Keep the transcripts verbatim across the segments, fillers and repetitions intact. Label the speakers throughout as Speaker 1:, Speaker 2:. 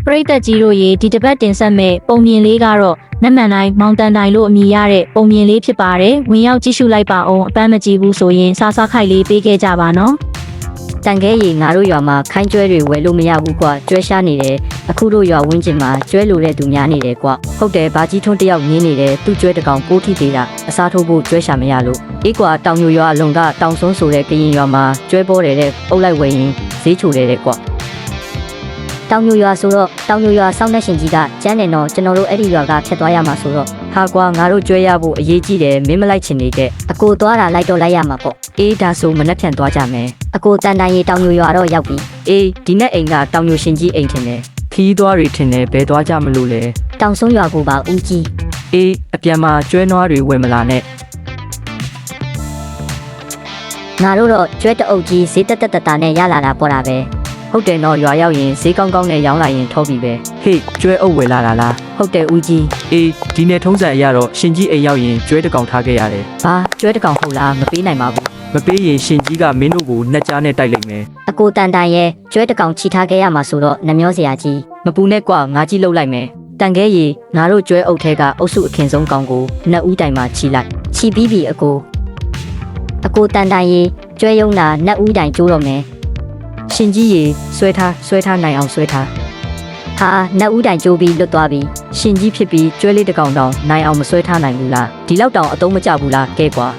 Speaker 1: ပရိသတ်ကြီးတို့ရေဒီတစ်ပတ်တင်ဆက်မဲ့ပုံမြင်လေးကတော့နက်မှန်တိုင်းမောင်တန်တိုင်းလို့အမည်ရတဲ့ပုံမြင်လေးဖြစ်ပါတယ်ဝင်ရောက်ကြည့်ရှုလိုက်ပါအောင်အပန်းမကြည့်ဘူးဆိုရင်စားစားခိုက်လေးပေးခဲ့ကြပါနော်တန်ခဲရီငါတို့ရွာမှာခိုင်းကျွဲတွေဝယ်လို့မရဘူးကွာကျွဲရှားနေတယ်အခုတို့ရွာဝင်းကျင်မှာကျွဲလိုတဲ့သူများနေတယ်ကွာဟုတ်တယ်ဘာကြီးထွန်းတယောက်ငင်းနေတယ်သူ့ကျွဲတကောင်ကိုးထိသေးတာအစားထိုးဖို့ကျွဲရှာမရလို့အေးကွာတောင်ညိုရွာအလုံကတောင်စွန်းဆိုတဲ့ကရင်ရွာမှာကျွဲပေါ်တယ်တဲ့အုပ်လိုက်ဝယ်ရင်ဈေးချိုတယ်တဲ့ကွာတောင်ညိုရွာဆိုတော့တောင်ညိုရွာစောင်းတဲ့ရှင်ကြီးကကျန်းတယ်နော်ကျွန်တော်တို့အဲ့ဒီရွာကဖြတ်သွားရမှာဆိုတော့ဟာကွာငါတို့ကျွဲရဖို့အရေးကြီးတယ်မင်းမလိုက်ချင်နေတဲ့အကိုသွားတာလိုက်တော့လိုက်ရမှာပေါ့အေးဒါဆိုမနှက်ဖြန်သွားကြမယ်အကိုတန်တန်ရီတောင်ညိုရွာတော့ရောက်ပြီအေးဒီနေ့အိမ်ကတောင်ညိုရှင်ကြီးအိမ်ထင်တယ်ခီးသွားတွေထင်တယ်ဘယ်သွားကြမလို့လဲတောင်ဆုံးရွာကိုပါဦးကြီးအေးအပြန်မှာကျွဲနွားတွေဝယ်မလာနဲ့ငါတို့တော့ကျွဲတအုပ်ကြီးဈေးတက်တက်တာနဲ့ရလာတာပေါ်တာပဲဟုတ်တယ်နော်ရွာရောက်ရင်ဈေးကောင်းကောင်းနဲ့ရောင်းလာရင်ထောပြီပဲဟေးကျွဲအုပ်ဝယ်လာတာလားဟုတ်တယ်ဦးကြီးအေးဒီနေ့ထုံးစံအရတော့ရှင်ကြီးအိမ်ရောက်ရင်ကျွဲတကောင်ထားခဲ့ရတယ်ဘာကျွဲတကောင်ဟုတ်လားမပေးနိုင်ပါဘူးမပေးရင်ရှင်ကြီးကမင်းတို့ကိုနှက်ကြားနဲ့တိုက်လိုက်မယ်အကိုတန်တန်ရဲ့ကျွဲတကောင်ချီထားခဲ့ရမှာဆိုတော့နှမျောစရာကြီးမပူနဲ့ကွာငါကြီးလှုပ်လိုက်မယ်တန်ခဲရီငါတို့ကျွဲအုပ်ထဲကအုပ်စုအခင်ဆုံးကောင်ကိုနှစ်ဦးတိုင်မှာချီလိုက်ချီပြီးပြီအကိုအကိုတန်တန်ရီကျွဲယုံတာနှစ်ဦးတိုင်ကျိုးတော့မယ်ရှင်ကြီးရေဆွဲထားဆွဲထားနိုင်အောင်ဆွဲထားဟာနှစ်ဦးတိုင်ကျိုးပြီးလွတ်သွားပြီရှင်ကြီးဖြစ်ပြီးကျွဲလေးတစ်ကောင်တောင်နိုင်အောင်မဆွဲထားနိုင်ဘူးလားဒီလောက်တောင်အသုံးမကျဘူးလားကဲကွာ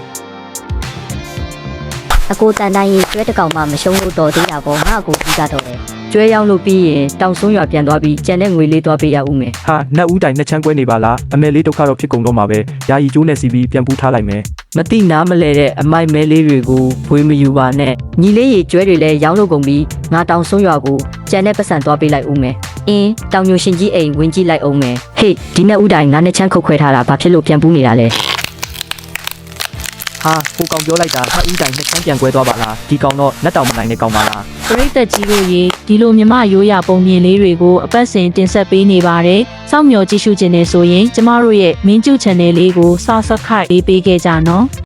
Speaker 1: အကိုတန်တန်ရေကျွဲတစ်ကောင်မှမရှုံးလို့တော်သေးတာပေါ့ငါအကိုကြီးကတော့လေကျွဲရောင်းလို့ပြီးရင်တောင်ဆုံးရွာပြန်သွားပြီးကြံတဲ့ငွေလေးသွားပေးရဦးမယ်
Speaker 2: ဟာနှစ်ဦးတိုင်နှစ်ချမ်းကွဲနေပါလားအမေလေးဒုက္ခတော့ဖြစ်ကုန်တော့မှာပဲယာယီကျိုးနဲ့စီပြီးပြန်ပူးထားလိုက်မယ်
Speaker 1: မတိနားမလဲတဲ့အမိုက်မဲလေးတွေကိုဘွေးမယူပါနဲ့ညီလေးရေကျွဲတွေလည်းရောင်းလို့ကုန်ပြီးငါတောင်ဆုံးရွာကိုကြံတဲ့ပတ်စံသွားပေးလိုက်ဦးမယ်အင်းတောင်ညိုရှင်ကြီးအိမ်ဝင်ကြည့်လိုက်အောင်မယ်ဟေးဒီနေ့ဦးတိုင်ငါနဲ့ချမ်းခုတ်ခွဲထားတာဘာဖြစ်လို့ပြန်ပူးနေတာလဲ
Speaker 2: ဟာကိုကောင်ပြောလိုက်တာနှစ်ဦးတိုင်နှစ်ချမ်းပြန်ကွဲသွားပါလားဒီကောင်တော့လက်တောင်မနိုင်တဲ့ကောင်ပါလား
Speaker 1: ပရိသတ်ကြီးတို့ရေဒီလိုမြမရိုးရပုံမြင်လေးတွေကိုအပတ်စဉ်တင်ဆက်ပေးနေပါတယ်စောင့်မျှော်ကြည့်ရှုခြင်းနဲ့ဆိုရင်ကျမတို့ရဲ့မင်းကျူ channel လေးကို subscribe ပေးပေးခဲ့ကြနော်